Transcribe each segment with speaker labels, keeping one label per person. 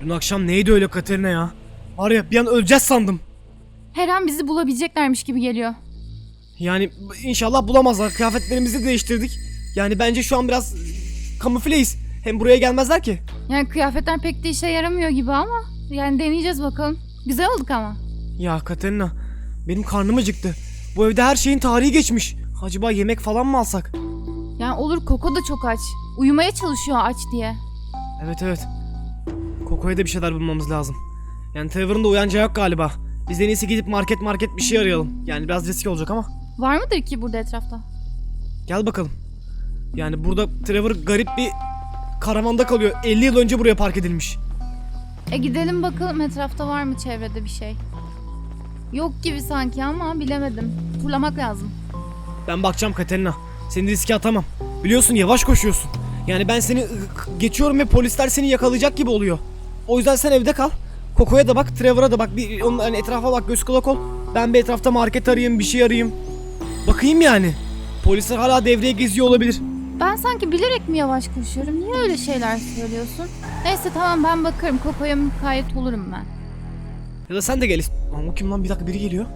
Speaker 1: Dün akşam neydi öyle Katerina ya? Var ya bir an öleceğiz sandım.
Speaker 2: Her an bizi bulabileceklermiş gibi geliyor.
Speaker 1: Yani inşallah bulamazlar. Kıyafetlerimizi değiştirdik. Yani bence şu an biraz kamufleyiz. Hem buraya gelmezler ki.
Speaker 2: Yani kıyafetler pek de işe yaramıyor gibi ama yani deneyeceğiz bakalım. Güzel olduk ama.
Speaker 1: Ya Katerina, benim karnım acıktı. Bu evde her şeyin tarihi geçmiş. Acaba yemek falan mı alsak?
Speaker 2: Yani olur, Koko da çok aç. Uyumaya çalışıyor aç diye.
Speaker 1: Evet. Koko'ya da bir şeyler bulmamız lazım. Yani Trevor'ın da uyanacağı yok galiba. Biz en iyisi gidip market bir şey arayalım. Yani biraz riskli olacak ama.
Speaker 2: Var mıdır ki burada etrafta?
Speaker 1: Gel bakalım. Yani burada Trevor garip bir karavanda kalıyor. 50 yıl önce buraya park edilmiş.
Speaker 2: Gidelim bakalım etrafta var mı çevrede bir şey. Yok gibi sanki ama bilemedim. Turlamak lazım.
Speaker 1: Ben bakacağım Katerina. Seni riske atamam. Biliyorsun yavaş koşuyorsun. Yani ben seni geçiyorum ve polisler seni yakalayacak gibi oluyor. O yüzden sen evde kal. Koko'ya da bak, Trevor'a da bak. Bir onun hani etrafa bak, göz kulak ol. Ben bir etrafta market arayayım, bir şey arayayım. Bakayım yani. Polisler hala devreye geziyor olabilir.
Speaker 2: Ben sanki bilerek mi yavaş koşuyorum? Niye öyle şeyler söylüyorsun? Neyse tamam, ben bakarım. Koko'ya mukayyet olurum ben.
Speaker 1: Ya da sen de gel. Lan o kim lan? Bir dakika, biri geliyor.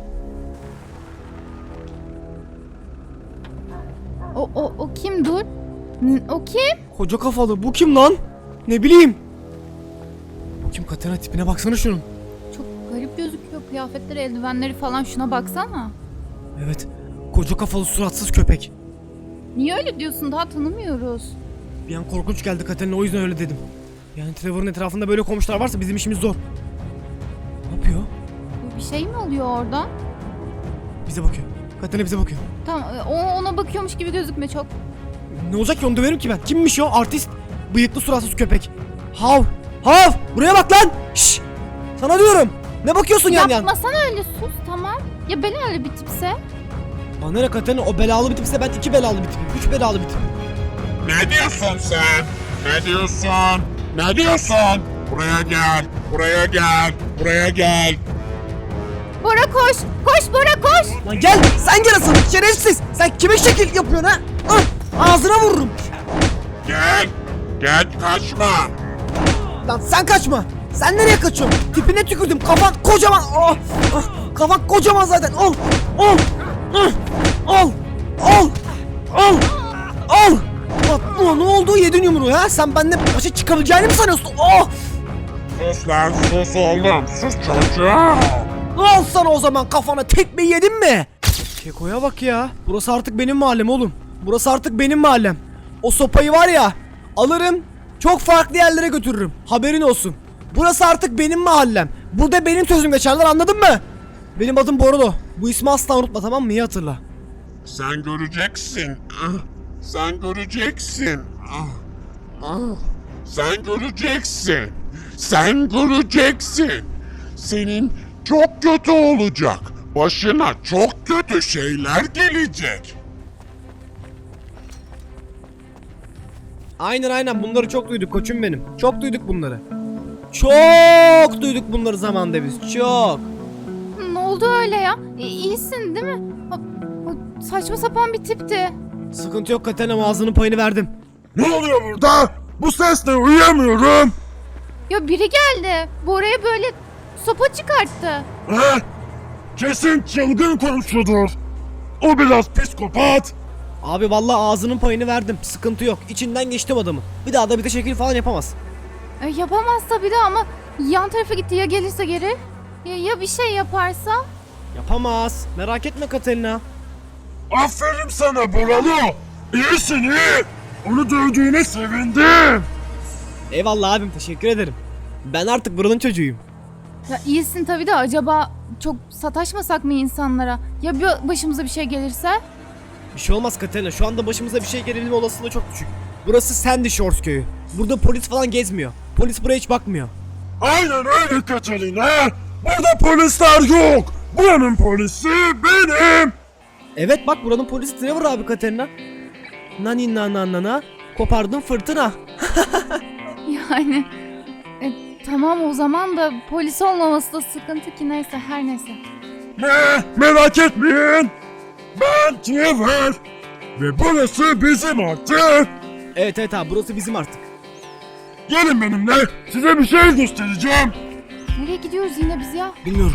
Speaker 2: O kim, dur? O kim?
Speaker 1: Koca kafalı. Bu kim lan? Ne bileyim. Bu kim Katerina? Tipine baksana şunun.
Speaker 2: Çok garip gözüküyor. Kıyafetleri, eldivenleri falan, şuna baksana.
Speaker 1: Evet. Koca kafalı suratsız köpek.
Speaker 2: Niye öyle diyorsun? Daha tanımıyoruz.
Speaker 1: Bir an korkunç geldi Katerina, o yüzden öyle dedim. Yani Trevor'ın etrafında böyle komşular varsa bizim işimiz zor. Ne yapıyor?
Speaker 2: Bir şey mi oluyor orada?
Speaker 1: Bize bakıyor. Katerina bize bakıyor.
Speaker 2: Tamam, ona bakıyormuş gibi gözükme çok.
Speaker 1: Ne olacak ki, onu döverim ki ben. Kimmiş o? Artist. Bıyıklı suratsız köpek. Hav. Hav. Buraya bak lan. Şşş. Sana diyorum. Ne bakıyorsun yan yan?
Speaker 2: Yapmasana öyle, sus tamam. Ya ben öyle bir tipse?
Speaker 1: Bana ne Katerina, o belalı bir tipse ben 2 belalı bir tipim. 3 belalı bir tipim.
Speaker 3: Ne diyorsun sen? Ne diyorsun? Ne diyorsun? Buraya gel, buraya gel, buraya gel.
Speaker 2: Bora koş! Koş Bora, koş!
Speaker 1: Lan gel. Sen gel asıl. Şerefsiz. Sen kime şekil yapıyorsun ha? Ağzına vururum.
Speaker 3: Gel, gel kaçma.
Speaker 1: Lan sen kaçma. Sen nereye kaçıyorsun? Tipine tükürdüm. Kafan kocaman. Kafan kocaman zaten. Al. Al. Al. Al. Al. Al. Bak, ne oldu? Yedin yumruğu ha? Sen benden başa çıkabileceğini mi sanıyorsun? Oh.
Speaker 3: Sus lan, sus oğlum, sus çocuğum.
Speaker 1: Al sana o zaman, kafana tekmeyi yedin mi? Keko'ya bak ya. Burası artık benim mahallem oğlum. Burası artık benim mahallem. O sopayı var ya, alırım, çok farklı yerlere götürürüm. Haberin olsun. Burası artık benim mahallem. Burada benim sözüm geçerler, anladın mı? Benim adım Borolo. Bu ismi asla unutma, tamam mı? İyi hatırla.
Speaker 3: Sen göreceksin. Sen göreceksin. Sen göreceksin. Sen göreceksin. Senin çok kötü olacak. Başına çok kötü şeyler gelecek.
Speaker 1: Aynen, bunları çok duyduk koçum benim. Çok duyduk bunları. Çok duyduk bunları zamanda biz. Çok.
Speaker 2: Ne oldu öyle ya? İyisin değil mi? O saçma sapan bir tipti.
Speaker 1: Sıkıntı yok Katerina, ağzının payını verdim.
Speaker 3: Ne oluyor burada? Bu sesle uyuyamıyorum.
Speaker 2: Ya biri geldi. Bora'ya böyle sopa çıkarttı.
Speaker 3: Kesin çılgın komşudur. O biraz psikopat.
Speaker 1: Abi vallahi ağzının payını verdim. Sıkıntı yok. İçinden geçtim adamı. Bir daha da bir de şekil falan yapamaz.
Speaker 2: Yapamaz tabii de ama yan tarafa gitti, ya gelirse geri? Ya bir şey yaparsa?
Speaker 1: Yapamaz. Merak etme Katerina.
Speaker 3: Aferin sana Boralo. İyisin iyi. Onu dövdüğüne sevindim.
Speaker 1: Eyvallah abim, teşekkür ederim. Ben artık buranın çocuğuyum.
Speaker 2: Ya iyisin tabii de acaba çok sataşmasak mı insanlara? Ya bir başımıza bir şey gelirse?
Speaker 1: Bir şey olmaz Katerina. Şu anda başımıza bir şey gelebilme olasılığı çok düşük. Burası Sandy Shores köyü. Burada polis falan gezmiyor. Polis buraya hiç bakmıyor.
Speaker 3: Aynen öyle Catalina. Burada polisler yok. Buranın polisi benim.
Speaker 1: Evet bak, buranın polisi Trevor abi Katerina. Nani na kopardın fırtına.
Speaker 2: Yani tamam o zaman da polis olmaması da sıkıntı ki, neyse her neyse.
Speaker 3: Merak etmeyin. Ben Trevor. Ve burası bizim artık.
Speaker 1: Evet abi, burası bizim artık.
Speaker 3: Gelin benimle. Size bir şey göstereceğim.
Speaker 2: Nereye gidiyoruz yine biz ya?
Speaker 1: Bilmiyorum.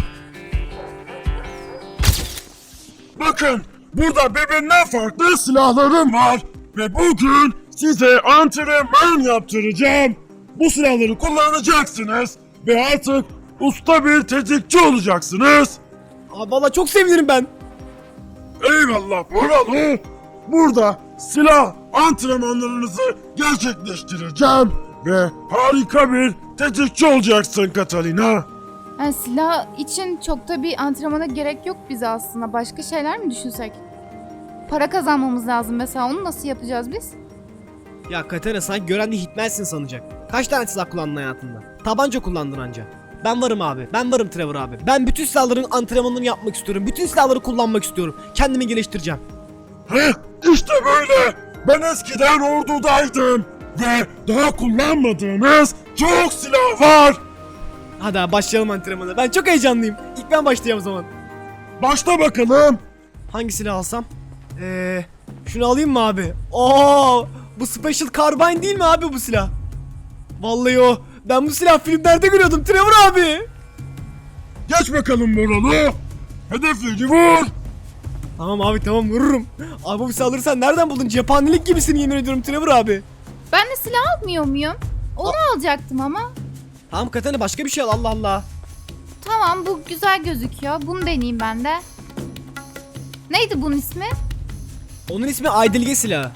Speaker 3: Bakın burada birbirinden farklı silahlarım var. Ve bugün size antrenman yaptıracağım. Bu silahları kullanacaksınız. Ve artık usta bir tetikçi olacaksınız.
Speaker 1: Abi valla çok sevinirim ben.
Speaker 3: Eyvallah buralı. Burada silah antrenmanlarınızı gerçekleştireceğim. Ve harika bir tetikçi olacaksın Catalina.
Speaker 2: Yani silah için çok da bir antrenmana gerek yok bize aslında. Başka şeyler mi düşünsek? Para kazanmamız lazım mesela. Onu nasıl yapacağız biz?
Speaker 1: Ya Katerina sanki gören de Hitman'sin sanacak. Kaç tane silah kullandın hayatında? Tabanca kullandın anca. Ben varım abi. Ben varım Trevor abi. Ben bütün silahların antrenmanını yapmak istiyorum. Bütün silahları kullanmak istiyorum. Kendimi geliştireceğim.
Speaker 3: Heh, işte böyle. Ben eskiden ordudaydım. Ve daha kullanmadığınız çok silah var.
Speaker 1: Hadi abi başlayalım antrenmana. Ben çok heyecanlıyım. İlk ben başlayacağım o zaman.
Speaker 3: Başla bakalım.
Speaker 1: Hangi silah alsam? Şunu alayım mı abi? Oo, bu Special Carbine değil mi abi bu silah? Vallahi o. Ben bu silah filmlerde görüyordum Trevor abi.
Speaker 3: Geç bakalım buralı. Hedefleri vur.
Speaker 1: Tamam abi tamam vururum. Abi bu silahları sen nereden buldun? Cephanelik gibisin yemin ediyorum Trevor abi.
Speaker 2: Ben de silah almıyor muyum? Onu alacaktım ama.
Speaker 1: Tamam Katana başka bir şey al Allah Allah.
Speaker 2: Tamam bu güzel gözüküyor. Bunu deneyeyim ben de. Neydi bunun ismi?
Speaker 1: Onun ismi Aydilge silahı.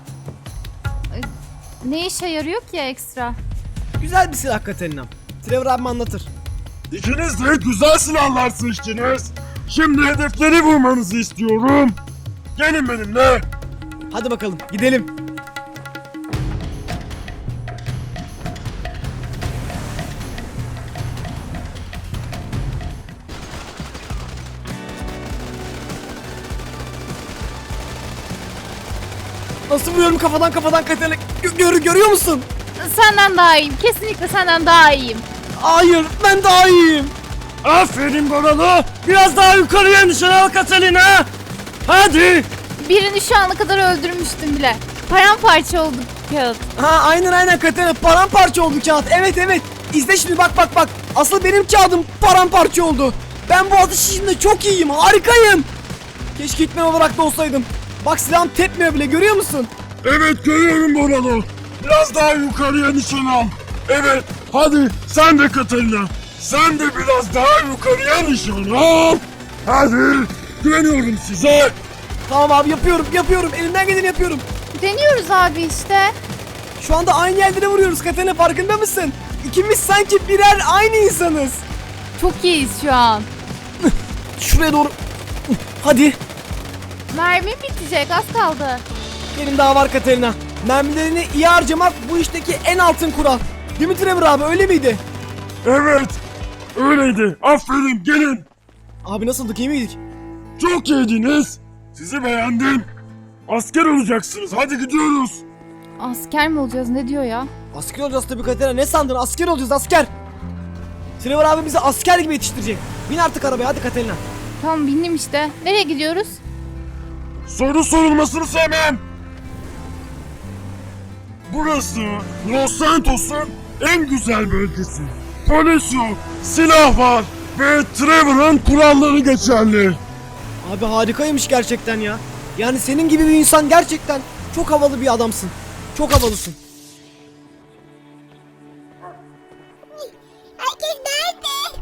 Speaker 2: Ne işe yarıyor ki ekstra?
Speaker 1: Güzel bir silah Katerina. Trevor abim anlatır.
Speaker 3: İkiniz de güzel silahlar seçtiniz. Şimdi hedefleri vurmanızı istiyorum. Gelin benimle.
Speaker 1: Hadi bakalım gidelim. Nasıl vuruyorum kafadan Katerina? Görüyor musun?
Speaker 2: Senden daha iyiyim. Kesinlikle senden daha iyiyim.
Speaker 1: Hayır ben daha iyiyim.
Speaker 3: Aferin Boralo. Biraz daha yukarıya nişan al Catalina. Hadi.
Speaker 2: Birini şu ana kadar öldürmüştüm bile. Paramparça oldu kağıt.
Speaker 1: Ha aynen Katerina paramparça oldu kağıt. Evet. İzle şimdi bak. Asıl benim kağıdım paramparça oldu. Ben bu atış işinde çok iyiyim. Harikayım. Keşke gitmen olarak da olsaydım. Bak silahım tepmiyor bile görüyor musun?
Speaker 3: Evet görüyorum Boralo. Biraz daha yukarıya nişan al. Evet hadi sen de Catalina. Sen de biraz daha yukarıya nişan al. Hadi güveniyorum size.
Speaker 1: Tamam abi yapıyorum. Elimden geleni yapıyorum.
Speaker 2: Deniyoruz abi işte.
Speaker 1: Şu anda aynı yerlere vuruyoruz Katerina farkında mısın? İkimiz sanki birer aynı insanız.
Speaker 2: Çok iyiyiz şu an.
Speaker 1: Şuraya doğru. Hadi.
Speaker 2: Mermim bitecek, az kaldı.
Speaker 1: Benim daha var Katerina. Mermilerini iyi harcamak bu işteki en altın kural. Değil mi Trevor abi öyle miydi?
Speaker 3: Evet öyleydi. Aferin gelin.
Speaker 1: Abi nasıldık iyi miydik?
Speaker 3: Çok iyiydiniz. Sizi beğendim. Asker olacaksınız. Hadi gidiyoruz.
Speaker 2: Asker mi olacağız, ne diyor ya?
Speaker 1: Asker olacağız tabii Katerina. Ne sandın? Asker olacağız asker. Trevor abi bizi asker gibi yetiştirecek. Bin artık arabaya hadi Katerina.
Speaker 2: Tamam bindim işte. Nereye gidiyoruz?
Speaker 3: Soru sorulmasını sevmem. Burası Los Santos'un en güzel bölgesi. Polis yok, silah var ve Trevor'ın kuralları geçerli.
Speaker 1: Abi harikaymış gerçekten ya. Yani senin gibi bir insan gerçekten çok havalı bir adamsın. Çok havalısın.
Speaker 4: Herkes nerede?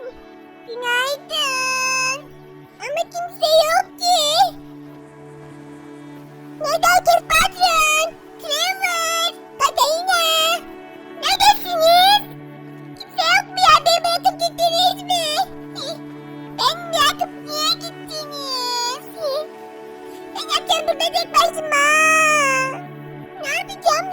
Speaker 4: Günaydın. Ama kimse yok ki. Nerede herkes patron? Trevor, Catalina. Neredesiniz? Kimse yok mu ya? Beni bırakıp gittiniz mi? Ben bırakıp niye gittiniz? Ben yapacağım burada tek başıma. Ne yapacağım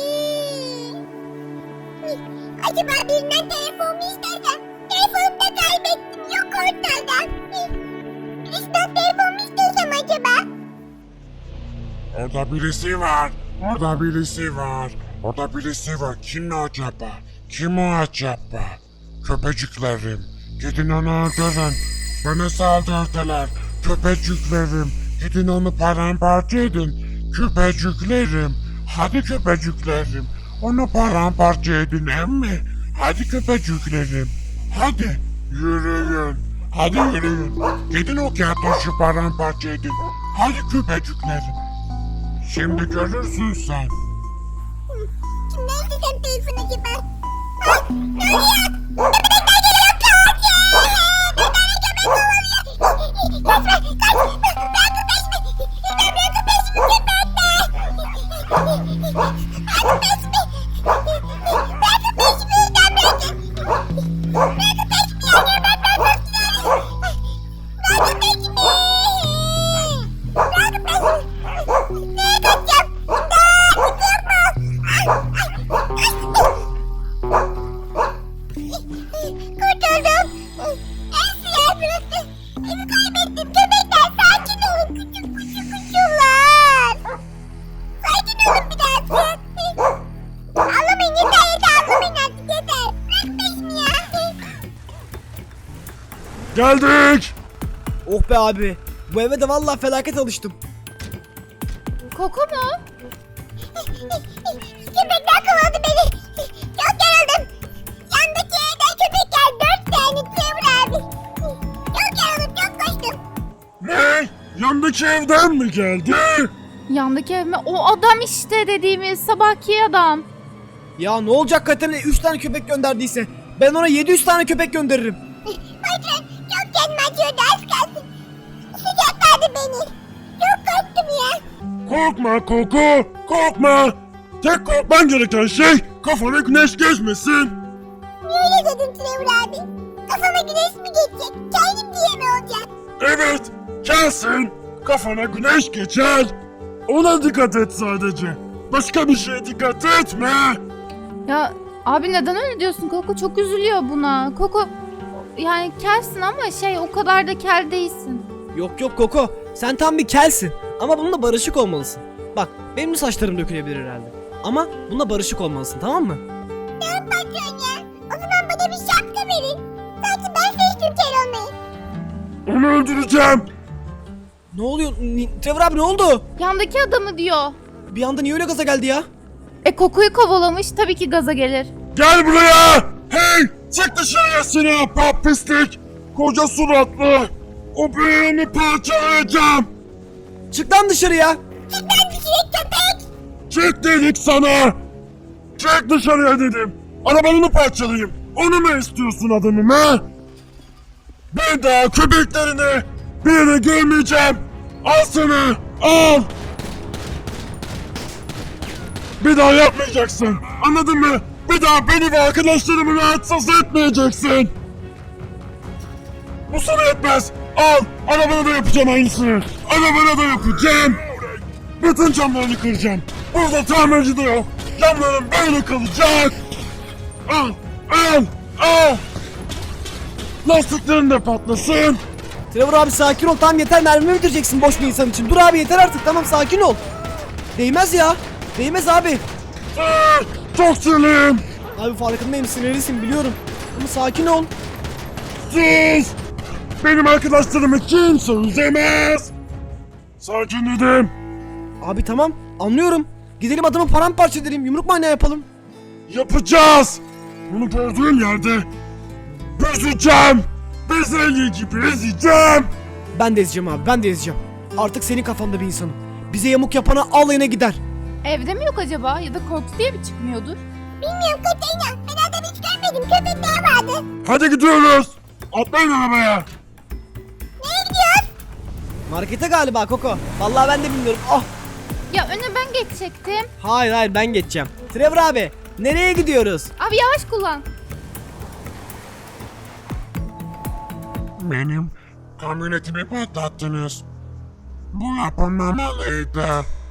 Speaker 4: acaba birinden telefonumu istersen? Telefonumu da kaybettim. Yok ortada. Birisinden telefonumu istersem acaba?
Speaker 3: Orada birisi var. Orada birisi var. Orada birisi var. Kim o acaba? Kim o acaba? Köpeciklerim. Gidin onu öldürün. Bana saldırdılar. Köpeciklerim. Gidin onu paramparça edin. Köpeciklerim. Hadi köpeciklerim. Onu paramparça edin emmi. Hadi köpeciklerim. Hadi yürüyün. Hadi yürüyün. Gidin o kertoşu paramparça edin. Hadi köpeciklerim. Şimdi görürsün sen.
Speaker 4: Kimden istesem telefon acaba? Ah, ne oluyor? Köpekler geliyor kaç! Bir tane köpek kovalıyor. Kaçma kaç! Bırakın peşimi! Bırakın peşimi köpekler! Bırakın peşimi! Bırakın peşimi! Bırakın peşimi ya köpekler bırakın! Bırakın peşimi! Bırakın peşimi! Nereye kaçacağım? İmdat! Kurtuldum. Esra burası. Evi kaybettim. Köpekler sakin olun. Küçük kuşular. Sakin olun birazcık. Ağlamayın yeter ağlamayın artık yeter. Bırak peşimi ya.
Speaker 3: Geldik.
Speaker 1: Oh be abi. Bu eve de vallahi felaket alıştım.
Speaker 2: Koko mu?
Speaker 4: Köpekler kovaladı beni. Çok yoruldum. Yandaki evden köpekler 4 tane Trevor abi. Çok yoruldum çok koştum.
Speaker 3: Ne? Yandaki evden mi geldi?
Speaker 2: Yandaki ev mi? O adam işte dediğimiz sabahki adam.
Speaker 1: Ya ne olacak Katerina 3 tane köpek gönderdiyse. Ben ona 700 tane köpek gönderirim.
Speaker 4: Patron çok canım acıyordu az kalsın. Sıcakladı beni. Çok korktum ya.
Speaker 3: Korkma Koko, korkma. Tek korkman gereken şey kafana güneş geçmesin.
Speaker 4: Niye öyle dedin Trevor abi? Kafama güneş mi geçecek? Kendim diye mi olacak?
Speaker 3: Evet, gelsin. Kafana güneş geçer. Ona dikkat et sadece. Başka bir şeye dikkat etme.
Speaker 2: Ya abi neden öyle diyorsun? Koko çok üzülüyor buna. Koko yani kelsin ama o kadar da kel değilsin.
Speaker 1: Yok yok Koko. Sen tam bir kelsin. Ama bununla barışık olmalısın. Bak benim de saçlarım dökülebilir herhalde. Ama bununla barışık olmalısın tamam mı?
Speaker 4: Tamam patron ya. O zaman bana bir şapka verin. Sanki ben seçtim kel olmayı.
Speaker 3: Onu öldüreceğim.
Speaker 1: Ne oluyor? Trevor abi ne oldu?
Speaker 2: Yandaki adamı diyor.
Speaker 1: Bir anda niye öyle gaza geldi ya?
Speaker 2: Kokuyu kovalamış tabii ki gaza gelir.
Speaker 3: Gel buraya. Hey, çık dışarıya seni ahbap pislik. Koca suratlı. O büyüğünü parçalayacağım.
Speaker 1: Çık lan dışarıya.
Speaker 4: Cidden düşecek köpek.
Speaker 3: Çık dedik sana. Çık dışarıya dedim. Arabanını parçalayayım. Onu mu istiyorsun adamım ha? Bir daha köpeklerini bir yere görmeyeceğim. Al sana. Al. Bir daha yapmayacaksın. Anladın mı? Bir daha beni ve arkadaşlarımı rahatsız etmeyeceksin. Bu sana yetmez. Al. Arabana da yapacağım aynısını. Arabana da yapacağım. Bütün camlarını kıracağım. Burada tamirci de yok. Camların böyle kalacak. Al. Al. Al. Lastiklerin de patlasın.
Speaker 1: Trevor abi sakin ol. Tamam yeter mermimi bitireceksin boş bir insan için. Dur abi yeter artık tamam sakin ol. Değmez ya. Değmez abi.
Speaker 3: Çok sinirliyim.
Speaker 1: Abi farkındayım sinirlisin biliyorum. Ama sakin ol.
Speaker 3: Sus. Benim arkadaşlarımı kimse üzemez. Sakin dedim.
Speaker 1: Abi tamam anlıyorum. Gidelim adamı paramparça edelim. Yumruk manyağı yapalım.
Speaker 3: Yapacağız. Bunu gördüğüm yerde büzeceğim. Bezelye gibi ezeceğim.
Speaker 1: Ben de ezeceğim abi ben de ezeceğim. Artık senin kafanda bir insanım. Bize yamuk yapana alayına gider.
Speaker 2: Evde mi yok acaba? Ya da korktu diye mi çıkmıyordur?
Speaker 4: Bilmiyorum Katerina. Ben adamı hiç görmedim. Köpekler vardı.
Speaker 3: Hadi gidiyoruz. Atlayın arabaya.
Speaker 4: Nereye gidiyoruz?
Speaker 1: Markete galiba Koko. Vallahi ben de bilmiyorum. Ah.
Speaker 2: Ya öne ben geçecektim.
Speaker 1: Hayır ben geçeceğim. Trevor abi nereye gidiyoruz?
Speaker 2: Abi yavaş kullan.
Speaker 3: Benim kamyonetimi patlattınız. Bu yapılmamalıydı.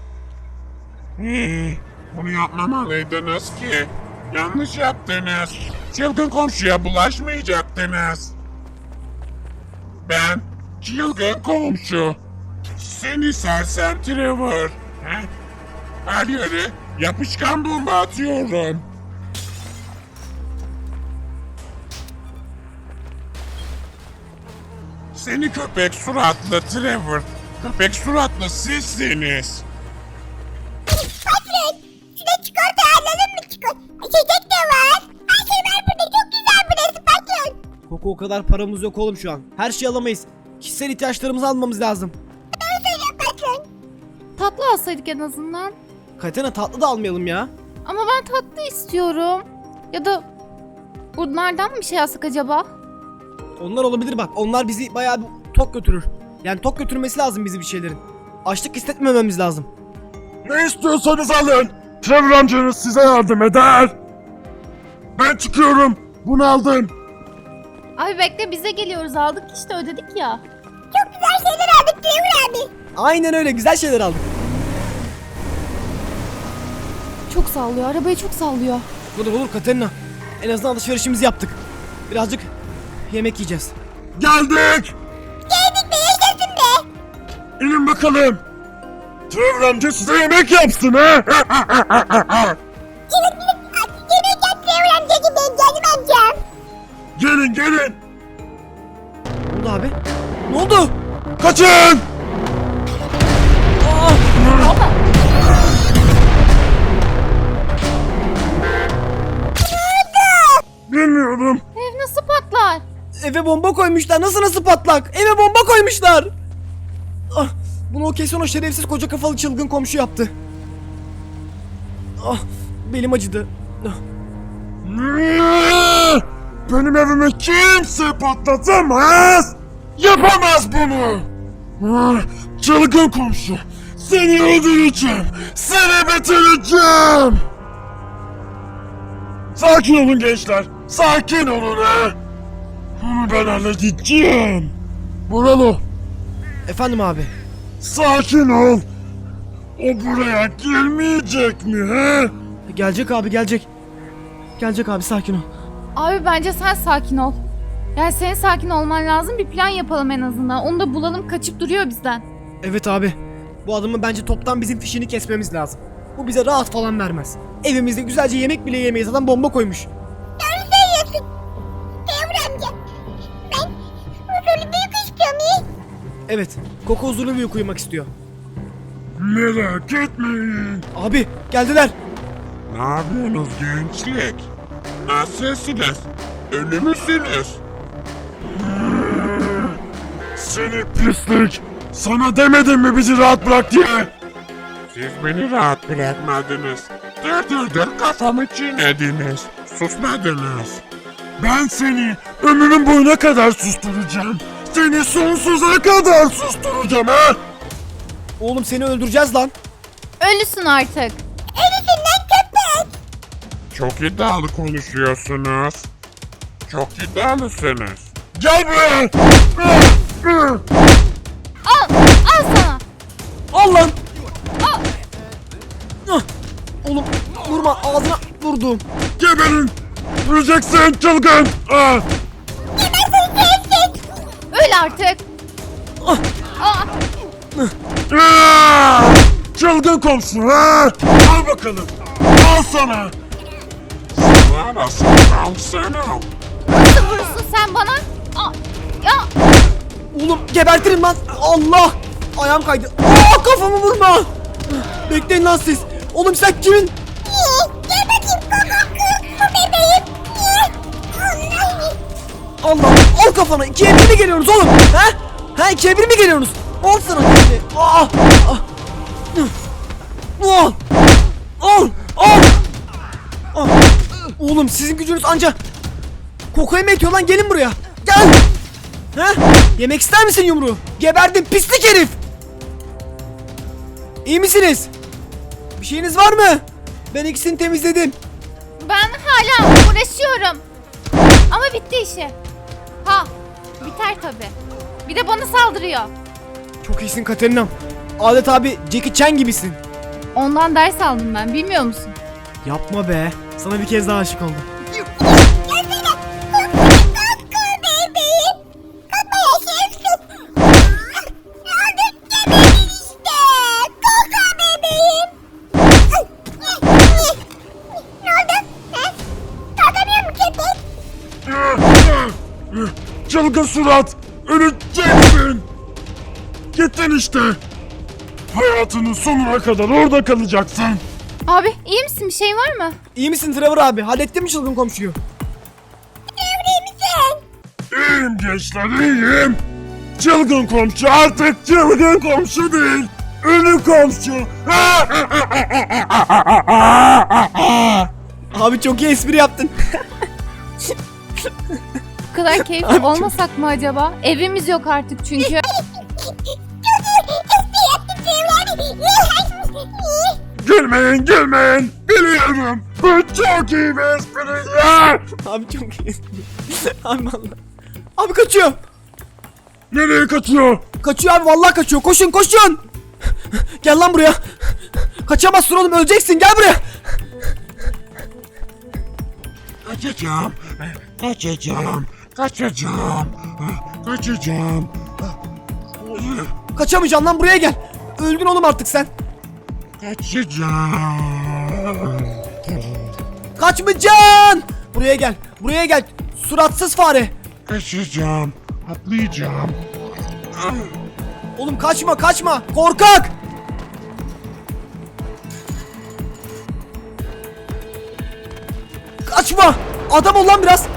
Speaker 3: Bunu yapmamalıydınız ki. Yanlış yaptınız. Çılgın komşuya bulaşmayacaktınız. Ben çılgın komşu. Seni sersem Trevor. Her yere yapışkan bomba atıyorum. Seni köpek suratlı Trevor. Köpek suratlı sizsiniz.
Speaker 4: Patron. Şuna çikolata alalım mı?
Speaker 1: Bak o kadar paramız yok oğlum şu an. Her şeyi alamayız. Kişisel ihtiyaçlarımızı almamız lazım.
Speaker 4: Patron.
Speaker 2: Tatlı alsaydık en azından.
Speaker 1: Katerina tatlı da almayalım ya.
Speaker 2: Ama ben tatlı istiyorum. Ya da bunlardan mı bir şey alsak acaba?
Speaker 1: Onlar olabilir bak. Onlar bizi bayağı bir tok götürür. Yani tok götürmesi lazım bizi bir şeylerin. Açlık hissetmememiz lazım.
Speaker 3: Ne istiyorsanız alın. Trevor amcanız size yardım eder. Ben çıkıyorum. Bunu aldım.
Speaker 2: Abi bekle, bize geliyoruz, aldık işte, ödedik ya.
Speaker 4: Çok güzel şeyler aldık Trevor abi.
Speaker 1: Aynen öyle, güzel şeyler aldık.
Speaker 2: Çok sallıyor, arabayı çok sallıyor.
Speaker 1: Olur Katerina. En azından alışverişimizi yaptık. Birazcık yemek yiyeceğiz.
Speaker 3: Geldik.
Speaker 4: Geldik be, yaşasın be.
Speaker 3: İnin bakalım. Trevor amca size yemek yapsın ha.
Speaker 4: Yemek yap Trevor amcacığım, benim canım amcam.
Speaker 3: Gelin.
Speaker 1: Ne oldu abi? Ne oldu?
Speaker 3: Kaçın. Bilmiyorum.
Speaker 2: Ev nasıl patlar?
Speaker 1: Eve bomba koymuşlar. Nasıl patlak? Eve bomba koymuşlar. Ah, bunu o kesin o şerefsiz koca kafalı çılgın komşu yaptı. Ah, belim acıdı. Ah,
Speaker 3: Benim evimi kimse patlatamaz. Yapamaz bunu. Çılgın komşu. Seni öldüreceğim. Seni bitireceğim. Sakin olun gençler. Sakin olun ha. Bunu ben halledeceğim. Buralı.
Speaker 1: efendim abi.
Speaker 3: Sakin ol. O buraya gelmeyecek mi he?
Speaker 1: Gelecek abi, gelecek. Gelecek abi, sakin ol.
Speaker 2: Abi bence sen sakin ol. Yani senin sakin olman lazım, bir plan yapalım en azından. Onu da bulalım, kaçıp duruyor bizden.
Speaker 1: Evet abi. Bu adamın bence toptan bizim fişini kesmemiz lazım. Bu bize rahat falan vermez. Evimizde güzelce yemek bile yemeyiz. Adam bomba koymuş.
Speaker 4: Doğru söylüyorsun. Trevor amca. Ben huzurlu bir uyku istiyorum iyi.
Speaker 1: Evet. Koko huzurlu bir uyku uyumak istiyor.
Speaker 3: Merak etmeyin.
Speaker 1: Abi geldiler.
Speaker 3: Ne yapıyorsunuz gençlik? Nasılsınız? Ölü müsünüz? Seni pislik! Sana demedim mi bizi rahat bırak diye? Siz beni rahat bırakmadınız. Dur kafamı çiğnediniz. Susmadınız. Ben seni ömrümün boyuna kadar susturacağım. Seni sonsuza kadar susturacağım ha!
Speaker 1: Oğlum seni öldüreceğiz lan.
Speaker 2: Ölüsün artık.
Speaker 4: Ölüsün lan köpek.
Speaker 3: Çok iddialı konuşuyorsunuz. Çok iddialısınız. Gel buraya!
Speaker 2: Al sana.
Speaker 1: Al lan. Ah! Oğlum vurma, ağzına vurdum.
Speaker 3: Geberin! Öleceksin çılgın! Ah!
Speaker 2: Öl artık.
Speaker 1: Ah!
Speaker 2: Aa,
Speaker 3: Ah! Çılgın komşu ha! Al bakalım! Al sana! Sana nasıl al sana?
Speaker 2: nasıl vurursun sen bana? Aa, ya
Speaker 1: Oğlum gebertirim lan. Allah! Ayağım kaydı. Aa, kafamı vurma. Bekleyin lan siz. Oğlum sen kimin?
Speaker 4: Gel bakayım koko bebeğim. Allah.
Speaker 1: Allah! Al kafana. 2'ye 1 mi geliyorsunuz oğlum? Ha? Ha, 2'ye 1 mi geliyorsunuz? Al sana şimdi. Aa! Ah! Al! Al! Al! Ah! Oğlum sizin gücünüz anca Koko'ya mı yetiyor lan? Gelin buraya. Gel! Ha? Yemek ister misin yumruğu? Geberdim pislik herif! İyi misiniz? Bir şeyiniz var mı? Ben ikisini temizledim.
Speaker 2: ben hala uğraşıyorum. Ama bitti işi. Ha, biter tabi. Bir de bana saldırıyor.
Speaker 1: Çok iyisin Katerina'm. Adet abi Jackie Chan gibisin.
Speaker 2: Ondan ders aldım ben, bilmiyor musun?
Speaker 1: Yapma be. Sana bir kez daha aşık oldum.
Speaker 4: Gelsene. Koko bebeğim. Koko yaşıyorsun. Aldık geberdin işte. Koko bebeğim. Ne oldu? Ha? Kalkamıyor mu köpek?
Speaker 3: Çılgın surat! Öleceksin! Gittin işte! Hayatının sonuna kadar orada kalacaksın!
Speaker 2: Abi iyi misin, bir şey var mı?
Speaker 1: İyi misin Trevor abi? Hallettin mi çılgın komşuyu?
Speaker 4: Evli misin?
Speaker 3: İyiyim gençler, iyiyim. Çılgın komşu artık çılgın komşu değil. Ölü komşu.
Speaker 1: Abi çok iyi espri yaptın.
Speaker 2: Bu kadar keyifli olmasak mı acaba? Evimiz yok artık çünkü.
Speaker 3: Gülmeyin, gülmeyin. Biliyorum. Bu çok iyi bir espri.
Speaker 1: Abi çok iyi espri. Abi vallahi. Abi kaçıyor.
Speaker 3: Nereye kaçıyor?
Speaker 1: Kaçıyor abi vallahi kaçıyor. Koşun koşun. Gel lan buraya. Kaçamazsın oğlum öleceksin gel buraya.
Speaker 3: Kaçacağım. Kaçacağım. Kaçacağım. Kaçacağım.
Speaker 1: Kaçamayacaksın lan buraya gel. Öldün oğlum artık sen.
Speaker 3: Kaçacağım.
Speaker 1: Kaçmayacaksın. Buraya gel. Buraya gel. Suratsız fare.
Speaker 3: Kaçacağım. Atlayacağım.
Speaker 1: Oğlum kaçma kaçma. Korkak. Kaçma. Adam ol lan biraz.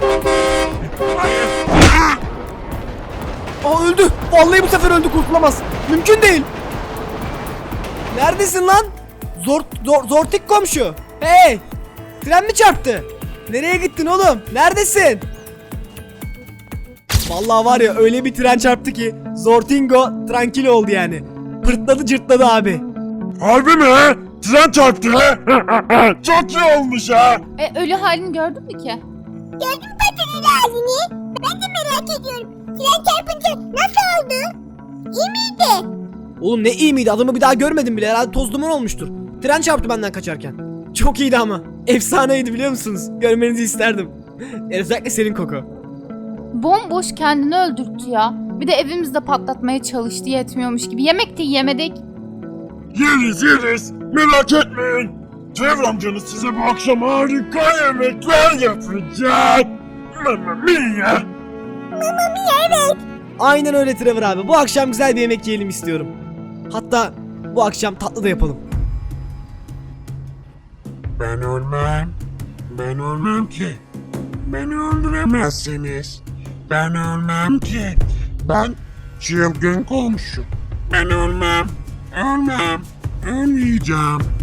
Speaker 1: Aa öldü. Vallahi bu sefer öldü kurtulamaz. Mümkün değil. Neredesin lan? Zortik komşu. Hey. Tren mi çarptı? Nereye gittin oğlum? Neredesin? Vallahi var ya öyle bir tren çarptı ki Zortingo tranquilo oldu yani. Pırtladı cırtladı abi.
Speaker 3: Harbi mi? Tren çarptı. Çok iyi olmuş ha.
Speaker 2: Ölü halini gördün mü ki?
Speaker 4: Gördün mü patronun halini? Ben de merak ediyorum. Tren çarpınca nasıl oldu? İyi miydi?
Speaker 1: Oğlum ne iyi miydi adamı bir daha görmedim bile herhalde toz duman olmuştur. Tren çarptı benden kaçarken. Çok iyiydi ama. Efsaneydi biliyor musunuz? Görmenizi isterdim. Özellikle senin Koko.
Speaker 2: Bomboş kendini öldürttü ya. Bir de evimizde patlatmaya çalıştı yetmiyormuş gibi. Yemek de yiyemedik.
Speaker 3: Yeriz yeriz. Merak etmeyin. Trevor amcanız size bu akşam harika yemekler yapacak. Mamma mia.
Speaker 4: Evet.
Speaker 1: Aynen öyle Trevor abi. Bu akşam güzel bir yemek yiyelim istiyorum. Hatta bu akşam tatlı da yapalım.
Speaker 3: Ben ölmem. Ben ölmem ki. Beni öldüremezsiniz. Ben ölmem ki. Ben çılgın komşu. Ben ölmem. Ölmem. Ölmeyeceğim.